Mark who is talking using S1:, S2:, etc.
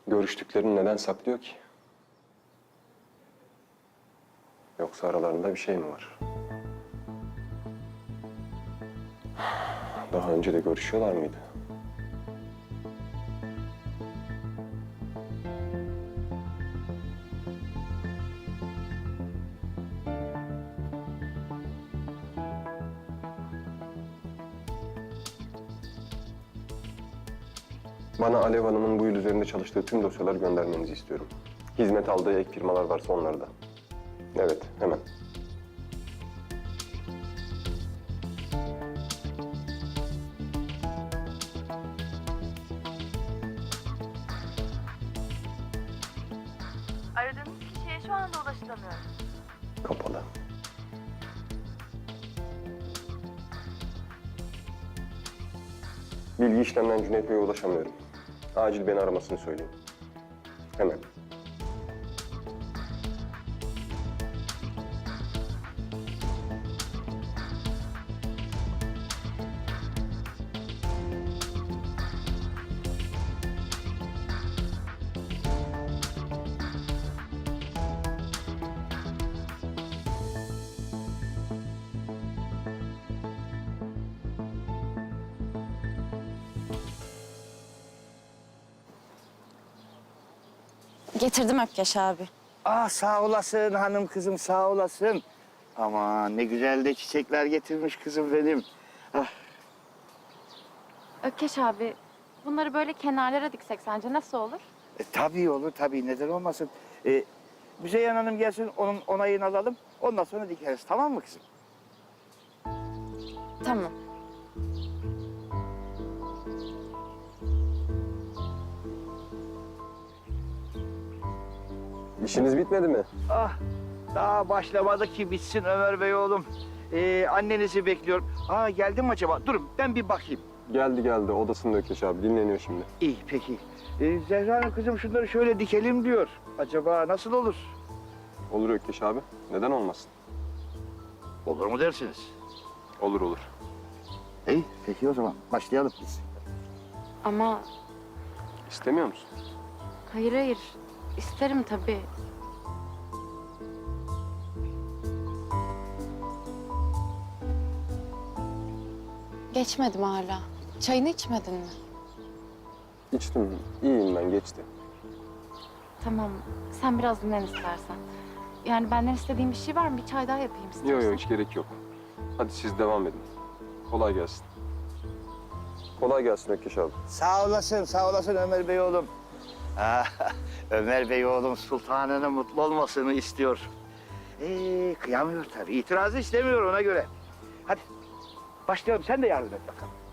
S1: Görüştüklerini neden saklıyor ki? Yoksa aralarında bir şey mi var? Daha önce de görüşüyorlar mıydı? Bana Alev Hanım'ın bu yıl üzerinde çalıştığı tüm dosyaları göndermenizi istiyorum. Hizmet aldığı ek firmalar varsa onları da. Evet, hemen.
S2: Aradığınız kişiye şu anda ulaşılamıyor.
S1: Kapalı. Bilgi işlemden Cüneyt Bey'e ulaşamıyorum. Acil beni aramasını söyleyin. Hemen.
S3: Getirdim Ökkeş abi.
S4: Ah sağ olasın hanım kızım sağ olasın. Aman ne güzel de çiçekler getirmiş kızım benim. Ah,
S2: Ökkeş abi, bunları böyle kenarlara diksek sence nasıl olur?
S4: tabii olur tabii neden olmasın. Müzeyyen Hanım gelsin onun onayını alalım. Ondan sonra dikeriz tamam mı kızım?
S3: Tamam.
S1: İşiniz bitmedi mi?
S4: Ah daha başlamadı ki bitsin Ömer Bey oğlum. Annenizi bekliyorum. Aa geldi mi acaba? Durun ben bir bakayım.
S1: Geldi. Odasında Ökeş abi. Dinleniyor şimdi.
S4: İyi peki. Zehra Hanım kızım şunları şöyle dikelim diyor. Acaba nasıl olur?
S1: Olur Ökeş abi. Neden olmasın?
S4: Olur mu dersiniz?
S1: Olur.
S4: İyi peki o zaman başlayalım biz.
S2: Ama
S1: İstemiyor musun?
S2: hayır, isterim tabii.
S3: Geçmedim hala. Çayını içmedin mi?
S1: İçtim. İyiyim ben. Geçti.
S2: Tamam, sen biraz dinlen istersen. Yani benden istediğin bir şey var mı? Bir çay daha yapayım istiyorsan.
S1: Yok hiç gerek yok. Hadi siz devam edin. Kolay gelsin. Kolay gelsin Ökeş abi.
S4: Sağ olasın Ömer Bey oğlum. Ömer Bey oğlum sultanının mutlu olmasını istiyor. Kıyamıyor tabii. İtirazı istemiyor ona göre. Hadi başlayalım. Sen de yardım et bakalım.